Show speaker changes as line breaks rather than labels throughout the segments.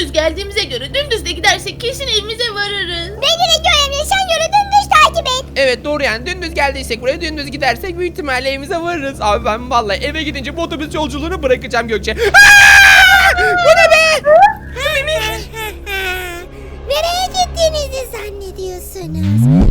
dümdüz geldiğimize göre dümdüz de gidersek kesin evimize varırız.
Beni de Göğe sen yolu dümdüz takip et.
Evet doğru yani dümdüz geldiysek buraya dümdüz gidersek büyük ihtimalle evimize varırız. Abi ben vallahi eve gidince bu otobüs yolculuğunu bırakacağım Gökçe. Aa! Bu ne be?
Nereye gittiğinizi zannediyorsunuz?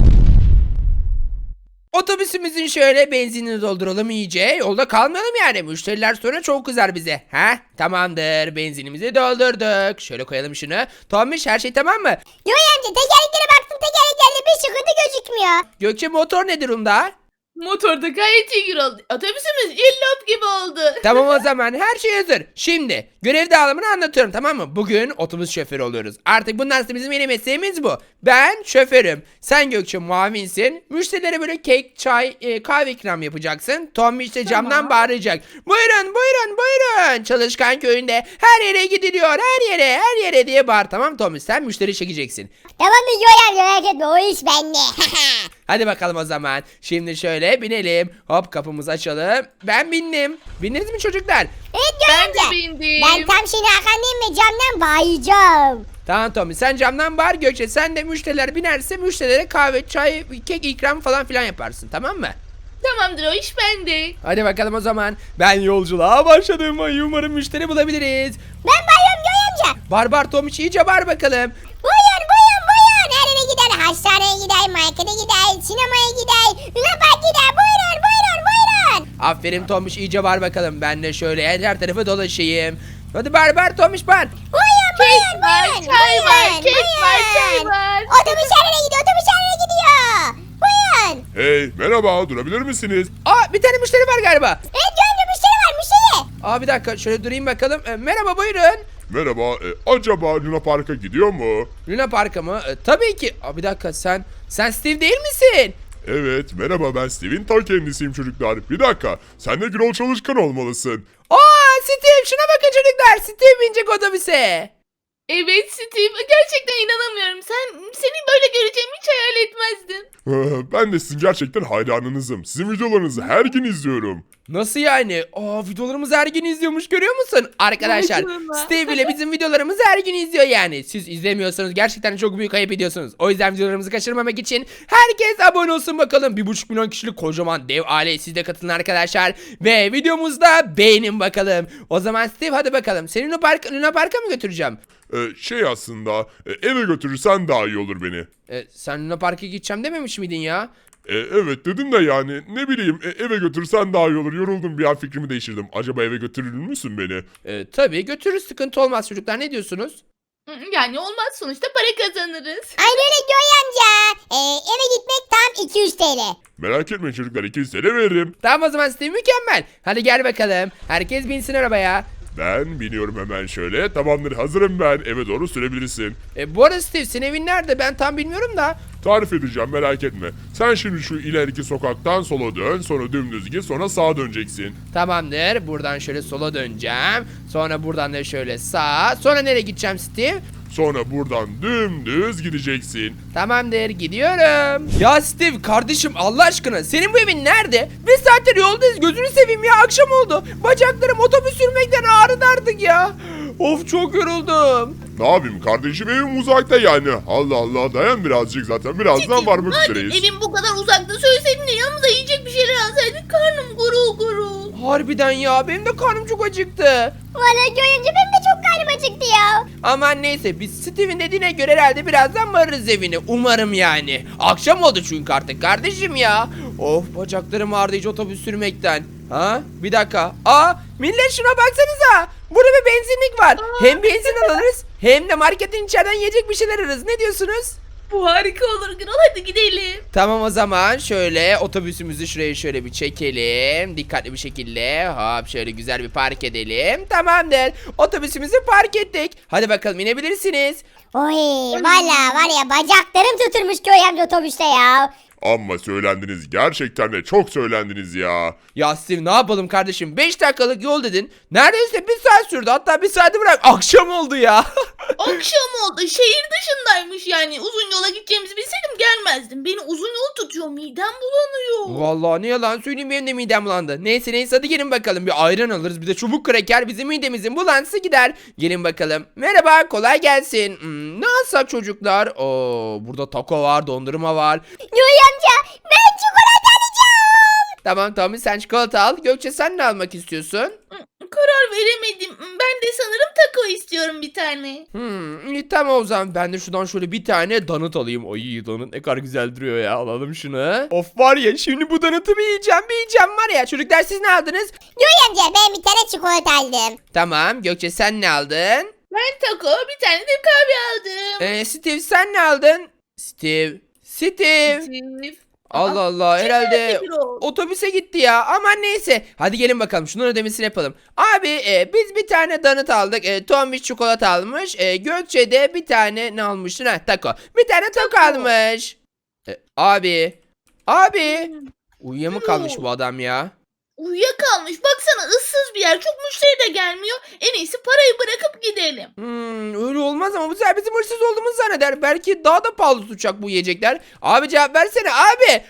Otobüsümüzün şöyle benzinini dolduralım iyice. Yolda kalmayalım yani. Müşteriler sonra çok kızar bize. Ha? Tamamdır. Benzinimizi doldurduk. Şöyle koyalım şunu. Tombiş her şey tamam mı?
Göğe amca tekerleklere baktım, tekerleklerde bir sıkıntı gözükmüyor.
Gökçe motor ne durumda?
Motorda gayet iyi oldu. Otobüsümüz illop gibi oldu.
Tamam o zaman her şey hazır. Şimdi görev dağılımını anlatıyorum tamam mı? Bugün otobüs şoförü oluyoruz. Artık bundan sonra bizim yeni mesleğimiz bu. Ben şoförüm. Sen Gökçe muavinsin. Müşterilere böyle kek, çay, kahve ikram yapacaksın. Tommy işte camdan bağıracak. Buyurun buyurun buyurun. Çalışkan köyünde her yere gidiliyor. Her yere diye bağır tamam Tommy. Sen müşteri çekeceksin.
Tamam mı Göğe amca, merak etme, o iş bende.
Hadi bakalım o zaman. Şimdi şöyle binelim. Hop kapımızı açalım. Ben bindim. Bindiniz mi çocuklar?
Evet Göğe
Ben de
amca.
bindim.
Ben tam seni arkandayım ve camdan bayacağım.
Tamam Tommy sen camdan bağır Gökçe sen de müşteriler binerse müşterilere kahve, çay, kek ikram falan filan yaparsın tamam mı?
Tamamdır o iş bende.
Hadi bakalım o zaman. Ben yolculuğa başladım. Ay, umarım müşteri bulabiliriz.
Ben bayıyorum Göğe amca.
Barbar Tommy iyice bağır bakalım.
Buyurun buyurun buyurun. Her yere gider. Hastaneye gider, markete gider, sinemaya gider, Luna Park gider. Buyurun buyurun buyurun.
Aferin Tommy iyice bağır bakalım. Ben de şöyle her tarafı dolaşayım. Hadi barbar Tommy bağır.
Buyurun buyurun
var,
buyurun.
çay var,
buyurun,
kek var, çay
buyurun.
var.
Otobüs her yere gidiyor, otobüs her yere gidiyor. Buyurun.
Hey merhaba durabilir misiniz?
Aa bir tane müşteri var galiba.
Evet Göğe amca, müşteri var, müşteri.
Aa bir dakika şöyle durayım bakalım. Merhaba buyurun.
Merhaba acaba Luna Park'a gidiyor mu?
Luna Park'a mı? Tabii ki. Aa bir dakika sen Steve değil misin?
Evet merhaba ben Steve'in ta kendisiyim çocuklar. Bir dakika sen de Gürol Çalışkan olmalısın.
Aa Steve şuna bakın çocuklar. Steve binecek otobüse.
Evet Steve gerçekten inanamıyorum. Seni böyle göreceğimi hiç hayal etmezdim.
Ben de sizin gerçekten hayranınızım. Sizin videolarınızı her gün izliyorum.
Nasıl yani? Aa videolarımızı her gün izliyormuş görüyor musun? Arkadaşlar
Vay canına.
Steve ile bizim videolarımızı her gün izliyor yani. Siz izlemiyorsanız gerçekten çok büyük ayıp ediyorsunuz. O yüzden videolarımızı kaçırmamak için herkes abone olsun bakalım. 1,5 milyon kişilik kocaman dev aile siz de katılın arkadaşlar. Ve videomuzda beğenin bakalım. O zaman Steve hadi bakalım. Seni Luna Park'a mı götüreceğim?
Aslında eve götürürsen daha iyi olur beni.
Sen Luna Park'a gideceğim dememiş miydin ya?
Evet dedim de yani ne bileyim eve götürsen daha iyi olur. Yoruldum bir an fikrimi değiştirdim. Acaba eve götürür müsün beni?
Tabii götürürüz sıkıntı olmaz çocuklar ne diyorsunuz?
Yani olmaz sonuçta para kazanırız.
Aynen öyle Göğe amca. Eve gitmek tam 200 TL.
Merak etmeyin çocuklar 200 TL veririm.
Tamam o zaman Steve mükemmel. Hadi gel bakalım. Herkes binsin arabaya.
Ben biniyorum hemen şöyle. Tamamdır hazırım ben. Eve doğru sürebilirsin.
Bu arada Steve senin evin nerede ben tam bilmiyorum da.
Tarif edeceğim merak etme. Sen şimdi şu ileriki sokaktan sola dön. Sonra dümdüz git. Sonra sağa döneceksin.
Tamamdır. Buradan şöyle sola döneceğim. Sonra buradan da şöyle sağa. Sonra nereye gideceğim Steve?
Sonra buradan dümdüz gideceksin.
Tamamdır gidiyorum. Ya Steve kardeşim Allah aşkına senin bu evin nerede? Bir saattir yoldayız gözünü seveyim ya akşam oldu. Bacaklarım otobüs sürmekten ağrıdı artık ya. Of çok yoruldum.
Ne yapayım kardeşim evim uzakta yani. Allah Allah dayan birazcık zaten. Birazdan varmak
Madem
üzereyiz.
evin bu kadar uzakta söyleseydin de yanımıza yiyecek bir şeyler alsaydık karnım gurul gurul.
Harbiden ya benim de karnım çok acıktı.
Valla Göğe amca, benim de çok karnım acıktı ya.
Aman neyse biz Steve'in dediğine göre herhalde birazdan varırız evine. Umarım yani. Akşam oldu çünkü artık kardeşim ya. Of bacaklarım ağrıdı hiç otobüs sürmekten. Ha bir dakika. Aa millet şuna baksanıza. Burada bir benzinlik var. Hem benzin alırız hem de marketin içeriden yiyecek bir şeyler alırız. Ne diyorsunuz?
Bu harika olur Gürol, hadi gidelim.
Tamam o zaman şöyle otobüsümüzü şuraya şöyle bir çekelim. Dikkatli bir şekilde hop şöyle güzel bir park edelim. Tamamdır. Otobüsümüzü park ettik. Hadi bakalım inebilirsiniz.
Oy valla var ya, bacaklarım tutulmuş Göğe amca otobüste ya.
Amma söylendiniz. Gerçekten de çok söylendiniz ya.
Ya Steve ne yapalım kardeşim 5 dakikalık yol dedin. Neredeyse bir saat sürdü hatta bir saati bırak akşam oldu ya.
Akşam oldu. Şehir dışındaymış yani. Uzun yola gideceğimizi bilseydim gelmezdim. Beni uzun yol tutuyor. Midem bulanıyor.
Vallahi ne yalan söyleyeyim benim de midem bulandı. Neyse hadi gelin bakalım bir ayran alırız bir de çubuk kraker bizim midemizin bulantısı gider. Gelin bakalım. Merhaba kolay gelsin. Ne alsak çocuklar? Burada taco var dondurma var.
Yoy amca ben çikolata alacağım.
Tamam sen çikolata al. Gökçe sen ne almak istiyorsun?
Karar veremedim. Ben de sanırım taco istiyorum bir tane.
İyi tamam o zaman ben de şuradan şöyle bir tane donut alayım. Ay donut ne kadar güzel duruyor ya alalım şunu. Of var ya şimdi bu donutu bir yiyeceğim var ya. Çocuklar siz ne aldınız?
Yoy amca ben bir tane çikolata aldım.
Tamam Gökçe sen ne aldın?
Ben taco bir tane de kahve aldım.
Steve sen ne aldın? Steve.
Steve.
Allah Allah herhalde
nerede bir o?
otobüse gitti ya aman neyse hadi gelin bakalım şunun ödemesini yapalım. Abi biz bir tane donut aldık Tombiş çikolata almış Gökçe de bir tane ne almıştın taco bir tane taco almış. Abi uyuyakalmış bu adam ya.
Uyuyakalmış. Baksana ıssız bir yer. Çok müşteri de gelmiyor. En iyisi parayı bırakıp gidelim.
Öyle olmaz ama bu sefer bizim hırsız olduğumuzu zanneder. Belki daha da pahalı tutacak bu yiyecekler. Abi cevap versene abi.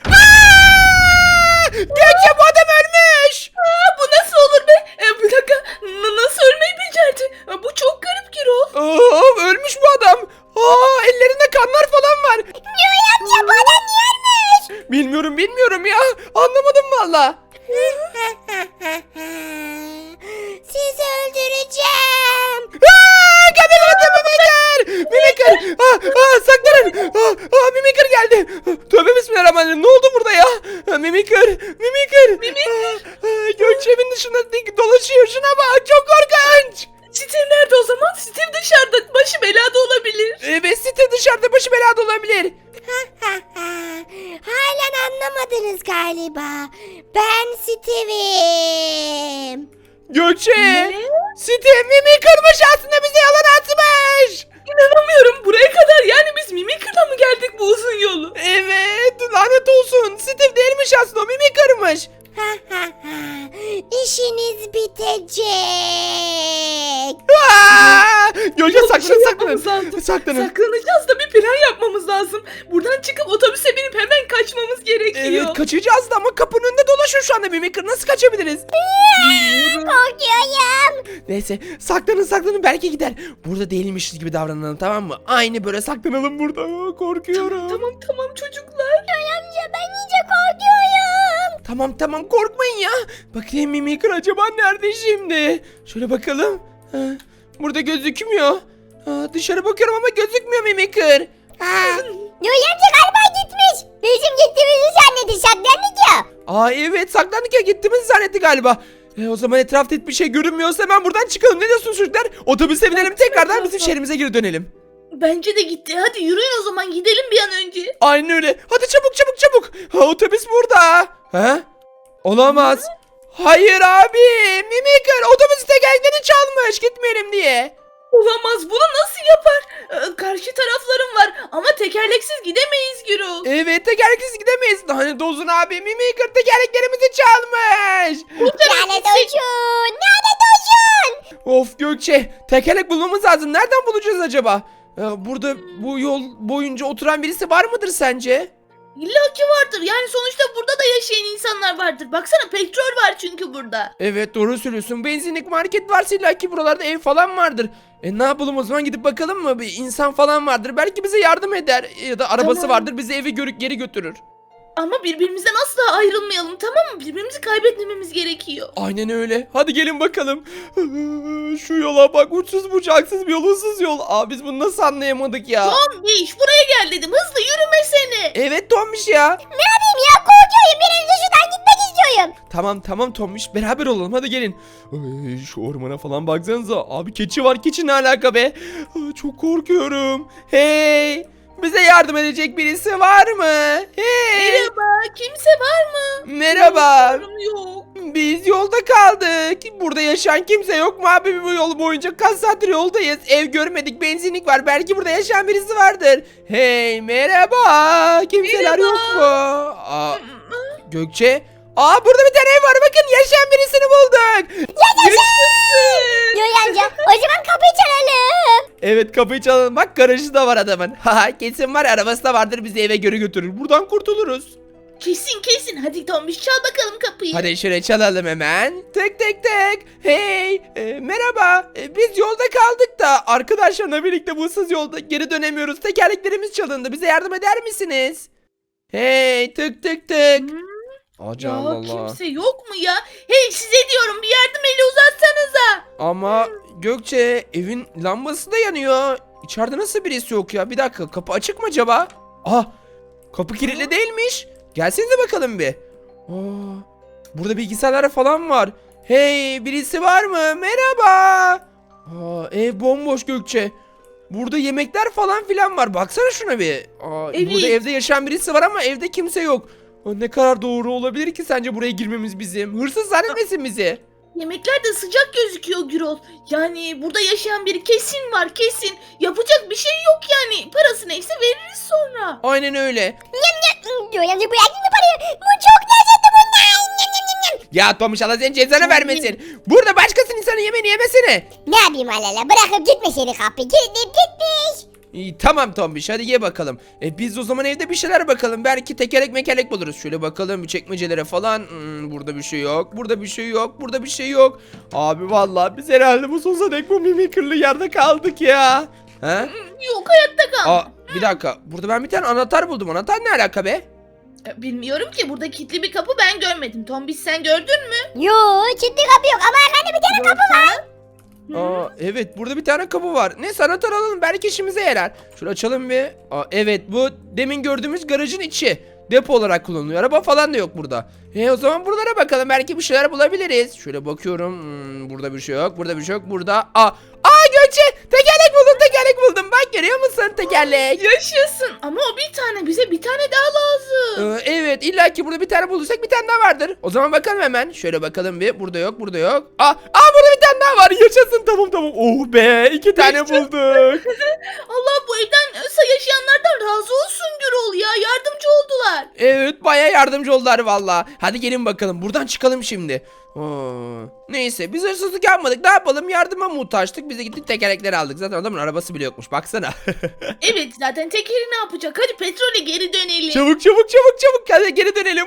Gökçe bu adam ölmüş.
Bu nasıl olur be? Bir dakika. Nasıl ölmeyi becerdi? Bu çok garip Gürol.
Ölmüş bu adam. Ellerinde kanlar falan var.
Yoy amca bu adam niye ölmüş?
Bilmiyorum ya. Anlamadım valla.
Sizi öldüreceğim.
Mimikır! Mimikır! Saklanın! Mimikır geldi. Tövbe bismillahirrahmanirrahim. Ne oldu burada ya? Mimikır! Gökçe evin dışında dolaşıyor. Şuna bak. Çok korkunç.
Steve nerede o zaman? Steve dışarıda. Başı belada olabilir.
Evet Steve dışarıda başı belada olabilir.
Halen anlamadınız galiba. Ben Steve'im.
Gökçe! Steve Mimikır'mış aslında bize yalan atmış.
İnanamıyorum. Buraya kadar yani biz Mimikır'la mı geldik bu uzun yolu?
Evet lanet olsun. Steve değilmiş aslında o Mimikır'mış.
İşiniz bitecek.
Gökçe
Yok, bir şey
saklanın.
yapmamız lazım.
Saklanın.
Saklanacağız da bir plan yapmamız lazım. Buradan çıkıp otobüse binip hemen kaçmamız gerekiyor.
Evet kaçacağız da ama kapının önünde dolaşıyor şu anda Mimikır. Nasıl kaçabiliriz?
Korkuyorum.
Neyse saklanın belki gider. Burada değilmişiz gibi davranalım tamam mı? Aynı böyle saklanalım burada. Korkuyorum.
Tamam çocuklar.
Yoy amca ben iyice korkuyorum.
Tamam korkmayın ya. Bakayım Mimikır acaba nerede şimdi? Şöyle bakalım. Burada gözükmüyor. Dışarı bakıyorum ama gözükmüyor Mimikır.
Yoy amca galiba gitmiş. Bizim gittiğimizi zannetti saklandık ya.
Evet saklandık ya gittiğimizi zannetti galiba. O zaman etrafta hiçbir şey görünmüyorsa hemen buradan çıkalım. Ne diyorsunuz çocuklar? Otobüse binelim tekrardan bizim şehrimize geri dönelim.
Bence de gitti. Hadi yürüyün o zaman gidelim bir an önce.
Aynen öyle. Hadi çabuk. Otobüs burada. Olamaz. Hayır abi. Mimikır otobüsü tekerleklerini çalmış. Gitmeyelim diye.
Olamaz. Bunu nasıl yapar? Karşı taraflarım var ama tekerleksiz gidemeyiz Gürol.
Evet tekerleksiz gidemeyiz. Lanet olsun abi. Mimikır tekerleklerimizi çalmış.
Lanet olsun. Lanet olsun.
Of Gökçe. Tekerlek bulmamız lazım. Nereden bulacağız acaba? Burada bu yol boyunca oturan birisi var mıdır sence?
İlla ki vardır. Yani sonuçta burada da yaşayan insanlar vardır. Baksana petrol var çünkü burada.
Evet doğru söylüyorsun. Benzinlik market varsa illa ki buralarda ev falan vardır. Ne yapalım o zaman gidip bakalım mı? Bir insan falan vardır. Belki bize yardım eder. Ya da arabası
Tamam.
vardır. Bizi eve geri götürür.
Ama birbirimizden asla ayrılmayalım, tamam mı? Birbirimizi kaybetmememiz gerekiyor.
Aynen öyle. Hadi gelin bakalım. Şu yola bak. Uçsuz bucaksız bir yol. Issız yol. Biz bunu nasıl anlayamadık ya?
Tombiş buraya gel dedim. Hızlı yürümesene.
Evet Tombiş ya.
Ne yapayım ya korkuyorum. Bir an önce şuradan gitmek istiyorum.
Tamam Tombiş. Beraber olalım. Hadi gelin. Şu ormana falan baksanıza. Abi keçi var. Keçi ne alaka be? Çok korkuyorum. Hey. Bize yardım edecek birisi var mı? Hey.
Merhaba, kimse var mı?
Merhaba.
Yok.
Biz yolda kaldık. Burada yaşayan kimse yok mu abi bu yol boyunca? Kaç saattir yoldayız. Ev görmedik. Benzinlik var. Belki burada yaşayan birisi vardır. Hey merhaba. Kimseler
Merhaba.
yok mu? Gökçe. Aa, burada bir tane ev var, bakın yaşayan birisini bulduk.
Yoy amca o zaman kapıyı çalalım.
Evet, kapıyı çalalım, bak garajı da var adamın. Haha, kesin var ya, arabası da vardır, bizi eve geri götürür, buradan kurtuluruz.
Kesin. Hadi Tombiş çal bakalım kapıyı.
Hadi şuraya çalalım hemen. Tık tık tık. Hey, merhaba. Biz yolda kaldık da arkadaşlarla birlikte bu ıssız yolda geri dönemiyoruz. Tekerleklerimiz çalındı. Bize yardım eder misiniz? Hey, tık tık tık. Acı
Ya
Allah Allah.
kimse yok mu ya? Hey size diyorum bir yardım eli uzatsanıza.
Ama Gökçe, evin lambası da yanıyor. İçeride nasıl birisi yok ya? Bir dakika, kapı açık mı acaba? Ah, kapı kilitli değilmiş. Gelsenize bakalım bir. Aa, burada bilgisayarlar falan var. Hey, birisi var mı? Merhaba. Aa, ev bomboş Gökçe. Burada yemekler falan filan var. Baksana şuna bir. Aa,
Evet.
burada evde yaşayan birisi var ama evde kimse yok. Aa, ne kadar doğru olabilir ki sence buraya girmemiz bizim? Hırsız zannetmesin bizi.
Yemekler de sıcak gözüküyor Gürol. Yani burada yaşayan biri kesin var kesin. Yapacak bir şey yok yani. Parası neyse veririz sonra.
Aynen öyle.
Yoy amca bırak mı parayı? Bu çok lezzetli bunlar.
Ya Tomuş, Allah senin cezanı vermesin. Burada başkasının insanın yemeğini yemesene.
Ne yapayım alala bırakıp gitmiş seni kapıyı kilitleyip gitmiş.
İyi, tamam Tombiş, hadi ye bakalım. Biz o zaman evde bir şeyler bakalım. Belki tekerlek mekerlek buluruz. Şöyle bakalım bir çekmecelere falan. Burada bir şey yok. Burada bir şey yok. Burada bir şey yok. Abi vallahi biz herhalde bu sonsuza dek bu mimikırlı yerde kaldık ya. Ha?
Yok hayatta kal.
Aa, bir dakika. Burada ben bir tane anahtar buldum. Anahtar ne alaka be?
Bilmiyorum ki burada kilitli bir kapı ben görmedim. Tombiş sen gördün mü?
Yo kilitli kapı yok ama arkanda bir tane kapı var.
Aa, evet, burada bir tane kapı var. Neyse, anahtar alalım, belki işimize yarar. Şöyle açalım bir. Aa, evet, bu demin gördüğümüz garajın içi. Depo olarak kullanılıyor. Araba falan da yok burada. O zaman buralara bakalım, belki bir şeyler bulabiliriz. Şöyle bakıyorum. Burada bir şey yok. Burada bir şey yok. Burada. Gökçe, tekerlek buldum. Bak, görüyor musun tekerlek?
Yaşasın ama o bir tane bize bir tane daha lazım.
Evet, illa ki burada bir tane bulduysak bir tane daha vardır. O zaman bakalım hemen. Şöyle bakalım bir. Burada yok. Burada bir tane daha var. Yaşasın, tamam. Oh be, 2 tane bulduk.
Allah bu evden yaşayanlardan razı olsun Gürol ya yardımcı oldular.
Evet, bayağı yardımcı oldular valla. Hadi gelin bakalım, buradan çıkalım şimdi. Neyse, biz hırsızlık yapmadık, ne yapalım, yardıma muhtaçtık. Biz de gittik tekerlekleri aldık, zaten adamın arabası bile yokmuş, baksana.
Evet zaten tekeri ne yapacak hadi petrole geri dönelim.
Çabuk hadi geri dönelim.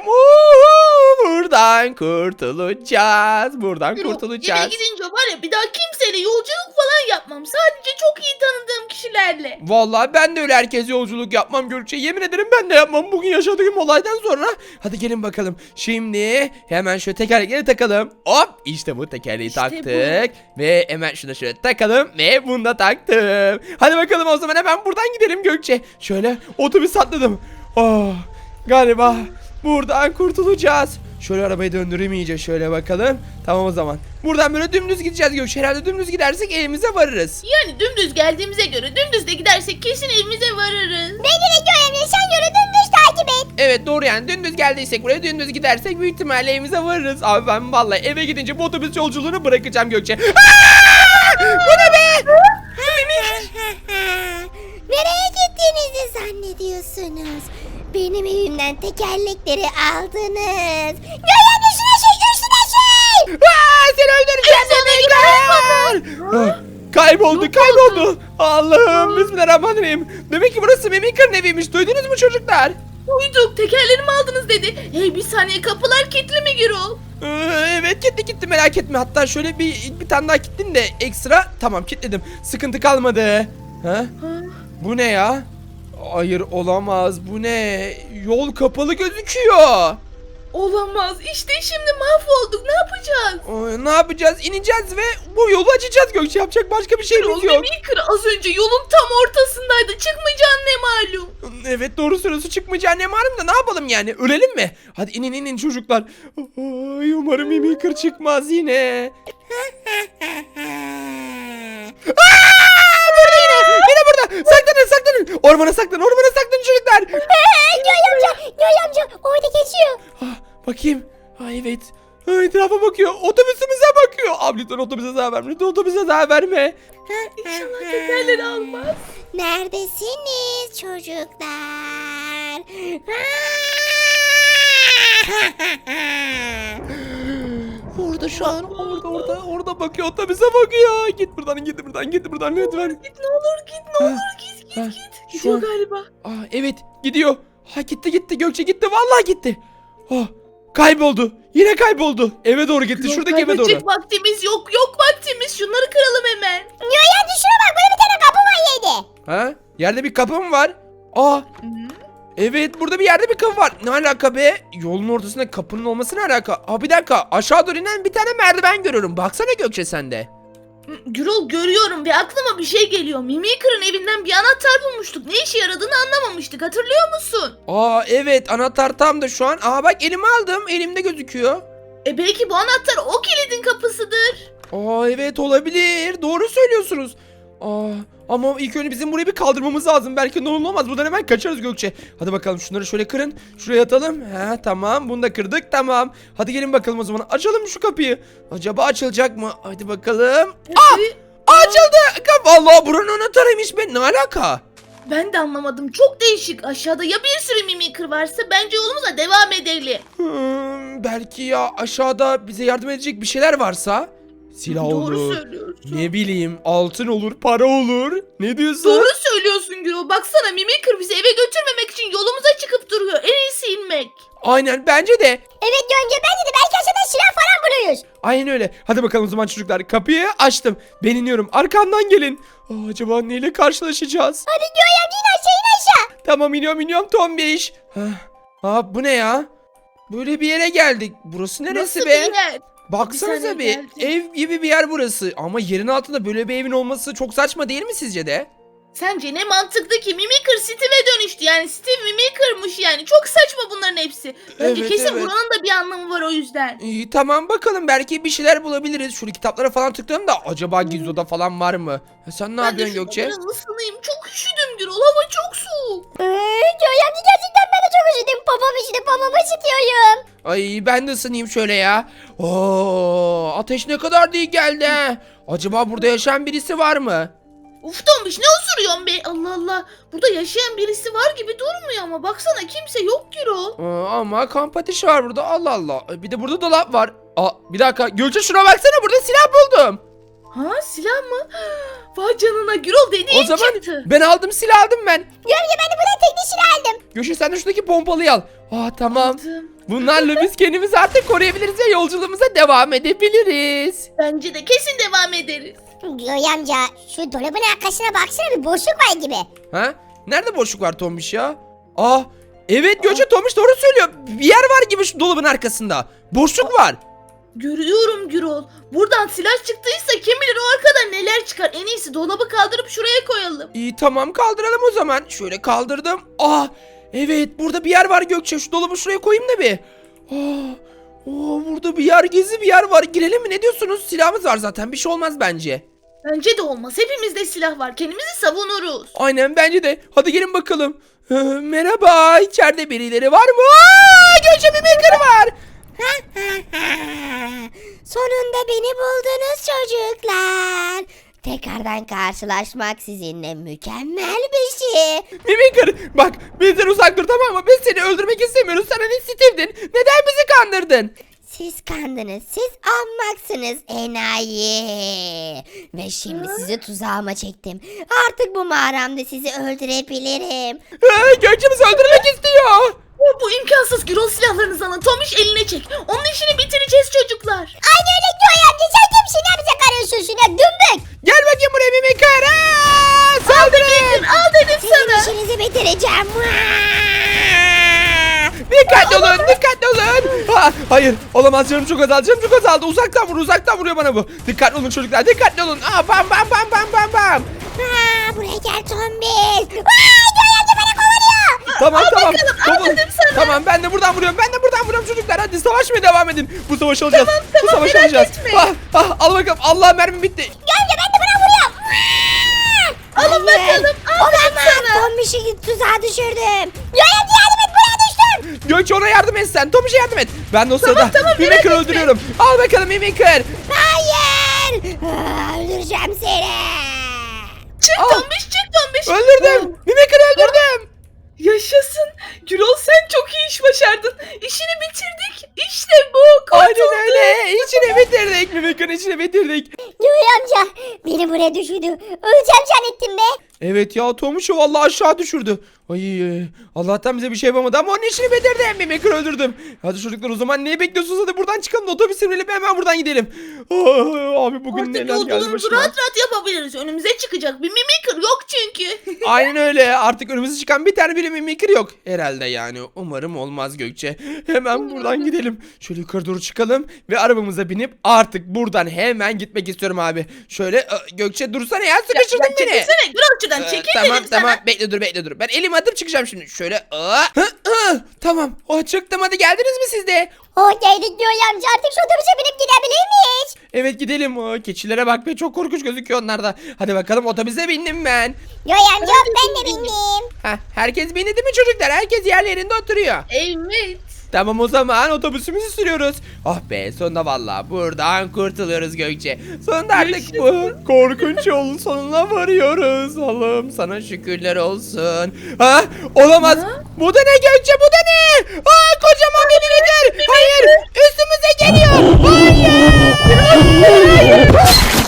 Buradan kurtulacağız.
Gürol, eve gidince var ya bir daha kimseyle yolculuk falan yapmam. Sadece çok iyi tanıdığım kişilerle.
Vallahi ben de öyle herkes yolculuk yapmam Gökçe. Yemin ederim ben de yapmam bugün yaşadığım olaydan sonra. Hadi gelin bakalım. Şimdi hemen şöyle tekerlekleri takalım. Hop, işte bu tekerleği
İşte
taktık.
bu.
Ve hemen şunu şöyle takalım ve bunu da taktım. Hadi bakalım o zaman hemen buradan gidelim Gökçe. Şöyle otobüs atladım. Galiba buradan kurtulacağız. Şöyle arabayı döndüreyim iyice, şöyle bakalım. Tamam o zaman. Buradan böyle dümdüz gideceğiz Gökçe. Herhalde dümdüz gidersek evimize varırız.
Yani dümdüz geldiğimize göre dümdüz de gidersek kesin evimize varırız.
Bence de Yoy amca sen yolu dümdüz takip et.
Evet, doğru, yani dümdüz geldiysek buraya, dümdüz gidersek büyük ihtimalle evimize varırız. Abi ben vallahi eve gidince bu otobüs yolculuğunu bırakacağım Gökçe. Bu ne be?
Nereye gittiğinizi zannediyorsunuz? Benim evimden tekerlekleri aldınız. Yoy amca şuna şey.
Seni öldüreceğim Mimikır. Kayboldu. Allah'ım, bismillahirrahmanirrahim. Demek ki burası Mimikır'ın eviymiş. Duydunuz mu çocuklar?
Duyduk tekerlerimi aldınız dedi. Hey bir saniye kapılar kilitli mi Gürol?
Evet, kilitli, merak etme. Hatta şöyle bir tane daha kilitledim de ekstra. Tamam, kilitledim. Sıkıntı kalmadı. Ha? Bu ne ya? Hayır, olamaz. Bu ne? Yol kapalı gözüküyor.
Olamaz işte şimdi mahvolduk ne yapacağız?
Ne yapacağız? İneceğiz ve bu yolu açacağız Gökçe. Yapacak başka bir şeyimiz
Gürol
yok.
Mimikır az önce yolun tam ortasındaydı çıkmayacağın ne malum.
Evet, doğru söylüyorsun, çıkmayacağı ne malum da ne yapalım yani, ölelim mi? Hadi inin çocuklar. Ay, umarım Mimikır çıkmaz yine. Burada yine burada, saklanın. Ormana saklanın çocuklar.
Yoy amca orada geçiyor.
Bakayım. Evet. Etrafa bakıyor. Otobüsümüze bakıyor. Abi lütfen otobüse zarar verme. Lütfen otobüse zarar verme.
İnşallah tekerleri almaz.
Neredesiniz çocuklar?
Orada şu an orada bakıyor, otobüse bakıyor. Git buradan lütfen.
Git ne olur git ne olur git
Ha,
git.
şu
Gidiyor
an-
galiba.
Evet gidiyor. Gitti Gökçe gitti, vallahi gitti. Kayboldu. Yine kayboldu. Eve doğru gitti.
Gürol,
Şuradaki eve doğru.
kaybedecek vaktimiz yok vaktimiz. Şunları kıralım hemen.
Ya şuna bak, böyle bir tane kapı var yerde.
Yerde bir kapı mı var? Evet, burada bir yerde bir kapı var. Ne alaka be? Yolun ortasında kapının olması ne alaka? Bir dakika, aşağı doğru inen bir tane merdiven görüyorum. Baksana Gökçe sen de.
Gürol görüyorum ve aklıma bir şey geliyor. Mimikır'ın evinden bir anahtar bulmuştuk. Ne işe yaradığını anlamamıştık. Hatırlıyor musun?
Evet, anahtar tam da şu an. Bak elime aldım. Elimde gözüküyor.
Belki bu anahtar o kilidin kapısıdır.
Evet, olabilir. Doğru söylüyorsunuz. Ama ilk önce bizim burayı bir kaldırmamız lazım. Belki ne olur ne olmaz. Buradan hemen kaçarız Gökçe. Hadi bakalım, şunları şöyle kırın. Şuraya atalım. Tamam, bunu da kırdık, tamam. Hadi gelin bakalım o zaman. Açalım şu kapıyı. Acaba açılacak mı? Hadi bakalım. Açıldı. Allah, buranın anahtarıymış be. Ne alaka?
Ben de anlamadım. Çok değişik. Aşağıda ya bir sürü mimikır varsa bence yolumuza devam edelim.
Belki ya aşağıda bize yardım edecek bir şeyler varsa. Silah
Doğru
olur.
söylüyorsun.
Ne bileyim, altın olur, para olur. Ne diyorsun?
Doğru söylüyorsun Gürol. Baksana Mimikır bizi eve götürmemek için yolumuza çıkıp duruyor. En iyisi inmek.
Aynen, bence de.
Evet Gönce, bence de belki aşağıda silah falan buluyoruz.
Aynen öyle. Hadi bakalım o zaman çocuklar. Kapıyı açtım. Ben iniyorum. Arkamdan gelin. Acaba neyle karşılaşacağız?
Hadi Göğe amca, in aşağı in aşağı.
Tamam, iniyorum Tombiş. Bu ne ya? Böyle bir yere geldik. Burası neresi
Nasıl
be?
bir yer?
Baksanıza
saniye
bir.
geldim.
Ev gibi bir yer burası. Ama yerin altında böyle bir evin olması çok saçma değil mi sizce de?
Sence ne mantıklı ki? Mimikır Steve'e dönüştü. Yani Steve Mimikır'mış yani. Çok saçma bunların hepsi. Bence
Evet,
kesin
evet.
buranın da bir anlamı var o yüzden.
İyi, tamam, bakalım belki bir şeyler bulabiliriz. Şöyle kitaplara falan tıklayalım da acaba gizli oda falan var mı? Sen ne
Ben de
yapıyorsun
şu
Gökçe?
odanın ısınayım. Çok üşüdüm Gürol. Hava çok soğuk.
Göğe amca, gerçekten ben de çok üşüdüm. Babamı ısıtıyorum.
Ay, ben de ısınayım şöyle ya. Ateş ne kadar değil geldi. Acaba burada yaşayan birisi var mı?
Uf Tombiş, ne osuruyorsun be? Allah Allah. Burada yaşayan birisi var gibi durmuyor ama. Baksana kimse yok Gürol.
Ama kamp ateşi var burada, Allah Allah. Bir de burada dolap var. Bir dakika Gökçe, şuna baksana, burada silah buldum.
Silah mı? Vay canına Gürol, dediğin
O zaman
çıktı.
ben aldım, silah aldım ben.
Göğe amca, ben de buradan tekli silah aldım.
Gökçe sen de şuradaki pompalıyı al. Tamam.
Aldım.
Bunlarla biz kendimizi artık koruyabiliriz ve yolculuğumuza devam edebiliriz.
Bence de kesin devam ederiz.
Göğe amca, şu dolabın arkasına baksana, bir boşluk var gibi.
Nerede boşluk var Tombiş ya? Evet Gökçe, Tombiş doğru söylüyor. Bir yer var gibi şu dolabın arkasında. Boşluk var.
Görüyorum Gürol. Buradan silah çıktıysa kim bilir o arkada neler çıkar. En iyisi dolabı kaldırıp şuraya koyalım.
İyi, tamam, kaldıralım o zaman. Şöyle kaldırdım. Evet, burada bir yer var Gökçe. Şu dolabı şuraya koyayım da bir. Burada bir yer, gizli bir yer var. Girelim mi, ne diyorsunuz? Silahımız var zaten, bir şey olmaz bence.
Bence de olmaz. Hepimizde silah var. Kendimizi savunuruz.
Aynen, bence de. Hadi gelin bakalım. Merhaba, içeride birileri var mı? Gökçe, bir maker var.
Sonunda beni buldunuz çocuklar. Tekrardan karşılaşmak sizinle mükemmel bir şey.
Mimikır, bak bizden uzak dur, tamam mı? Biz seni öldürmek istemiyoruz. Sen hani Steve'din. Neden bizi kandırdın?
Siz kandınız, siz ahmaksınız enayi. Ve şimdi sizi tuzağıma çektim. Artık bu mağaramda sizi öldürebilirim.
Gökçe bizi öldürmek istiyor.
Bu imkansız. Gürol, silahlarınızı alın. Tomiş eline çek. Onun işini bitireceğiz çocuklar.
Aynı öyle Göğe amca, sen kimsin ya, bize karışıyorsun ya, dümbük.
Gel bakayım buraya Mimikır. Saldırın.
Al dedim sana.
Sizin işinizi bitireceğim.
Dikkatli olun. Hayır, olamaz, canım çok azaldı. Uzaktan vuruyor bana bu. Dikkatli olun çocuklar, dikkatli olun. Bam.
Buraya gel Tombiş. Göğe amca beni kovalıyor.
Tamam.
al dedim sana.
Tamam, ben de buradan vuruyorum çocuklar. Hadi savaşmaya devam edin. Bu savaşı alacağız.
Tamam, merak etme.
Al bakalım. Allah, mermi bitti.
Göğe amca, ben de buna vuruyorum.
Alın bakalım. Al dedim sana.
Tombiş'i tuzağa düşürdüm. Göğe amca, yardım et, buraya düştüm.
Gökçe, ona yardım et sen. Tomiş'e yardım et. Ben de o sırada
merak
Mimikır'ı
etme.
öldürüyorum. Al bakalım Mimikır.
Hayır. Öldüreceğim seni.
Çık Tombiş.
Öldürdüm. Mimikır'ı öldürdüm.
Yaşasın. Gürol, sen çok iyi iş başardın. İşini bitirdik. İşte bu.
Aynen
Kurtulduk.
öyle. İçine bitirdik. Mimik'in içine bitirdik.
Joy amca beni buraya düşürdü. Öleceğim zannettim be.
Evet ya Tomuş'u vallahi aşağı düşürdü. Ay Allah'tan bize bir şey yapamadı ama onun işini bitirdim. Mimik'i öldürdüm. Hadi çocuklar o zaman neyi bekliyorsunuz? Hadi buradan çıkalım da otobüse binelim hemen buradan gidelim. Abi bugün
Artık
neler geldi
yolculuğumuzu
başıma.
rahat rahat yapabiliriz. Önümüze çıkacak bir mimikır yok çünkü.
Aynen öyle. Artık önümüze çıkan bir tane bile mimikır yok. Herhalde yani. Umarım olmaz Gökçe. Hemen buradan gidelim. Şöyle yukarı doğru çıkalım ve arabamıza binip artık buradan hemen gitmek istiyorum abi. Şöyle Gökçe dursana ya sıkıştırdın beni.
Çekilsene Gürolcu'dan çekil
Tamam
dedim
tamam
sana.
bekle dur. Ben elimi atıp çıkacağım şimdi. Şöyle tamam. Çıktım hadi geldiniz mi siz de?
Geldik Joy amca artık şu otobüse binip gidebilir miyiz?
Evet gidelim. Keçilere bak be çok korkunç gözüküyor onlar da. Hadi bakalım otobüse bindim ben.
Joy amca ben de bindim.
Herkes bindi değil mi çocuklar? Herkes yerlerinde oturuyor.
Evet.
Tamam o zaman otobüsümüzü sürüyoruz. Ah be sonunda valla buradan kurtuluyoruz Gökçe. Sonunda artık bu korkunç yolun sonuna varıyoruz. Allah'ım sana şükürler olsun. Olamaz. Bu da ne Gökçe bu da ne? Kocaman bir nedir? Hayır üstümüze geliyor. Hayır.